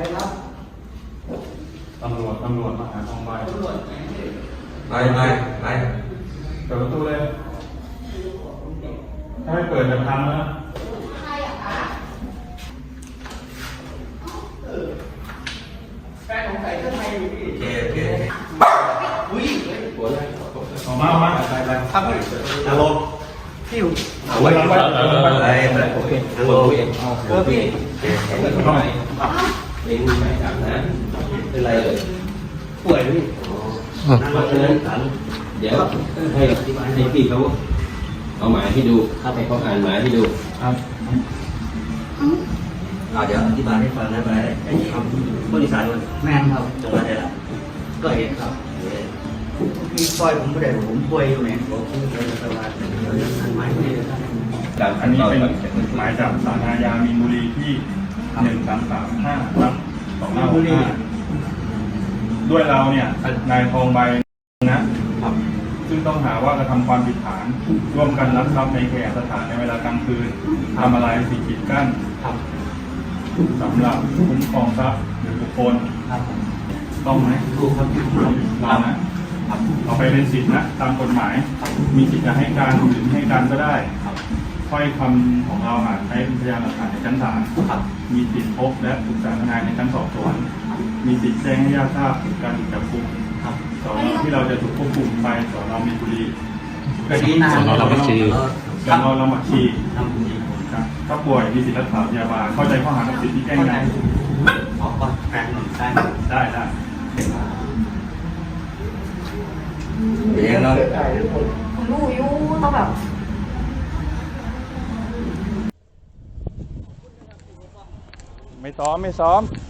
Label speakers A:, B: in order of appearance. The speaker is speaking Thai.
A: ตำรวจมาหาทองใบ
B: ไป
A: เปิดประตูเลยถ้าไม่เปิดจะพังนะ
C: ใครอะคะแฟนของใส่เสื้อไทยอยู่พี่
B: โอเค
C: อุ้ยหัวเลย
A: ออกมาไป
C: ครับพี่
B: ฮัลโหล
C: พี่อยู่
A: เอาไว้
B: ไปโอเคฮัลโหลพี่
C: พี่
A: เข้าไหน
B: เองไม่อาบน้ำเป็นไรเลย
C: ป่วยพี่
B: เพราะฉะนั้นสันเดี๋ยวให้พี่เขาเอาหมายให้ดูให้เขาอ่านหมายให้ดู
A: ครับ
B: เดี๋ยวอธิบายให้ฟังนะไปไอ้คำบริษัทมัน
C: แม่งครับ
B: จังหวัดอะไรล่ะ
C: ก็เห็นครับพี่ซอยผมไม่ได้ผมป่วยอยู่เนี่ย
B: บอกคุณเป็นสวัสดิ์เดี๋ยวอ่านหมายให้ดู
A: อันนี้เป็นหมายจากศาลอาญามีนบุรีที่1335/2565ด้วยเราเนี่ยนายทองใบนะซึ่งต้องหาว่ากระทำความผิดฐานร่วมกันลักทรัพย์ในแก่สถานในเวลากลางคืนทำอะไรสิ่งกีดกั้นสำหรับคุ้มครองทรัพย์หรือบุคคลต้องไหม
C: ถูกครับ
A: เรานะเอาไปเป็นสิทธินะตามกฎหมายมีสิทธิ์จะให้การหรือไม่ให้การก็ได้ถ้อยคำของเราอาจใช้เป็นพยานหลักฐานในชั้นศาลมีสิทธิพบและปรึกษาทนายในชั้นสอบสวนมีสิทธิแจ้งให้ญาติทราบถึงการถูกจับกุมสอนอที่เราจะถูกควบคุมไปสอนอมีนบุรี
C: คดีนาน
A: สอนอลำบักชี
C: ทำดี
A: ถ้าป่วยมีสิทธิรักษาพยาบาลเข้าใจข้อหากับสิทธิที่แจ้งไง
C: ออกก่อนแฟนหนึ่งได้
A: ได้
B: เดี๋ยวเรา
D: ผมรู้อยู่ต้องแบบ
A: ไม่ซ้อม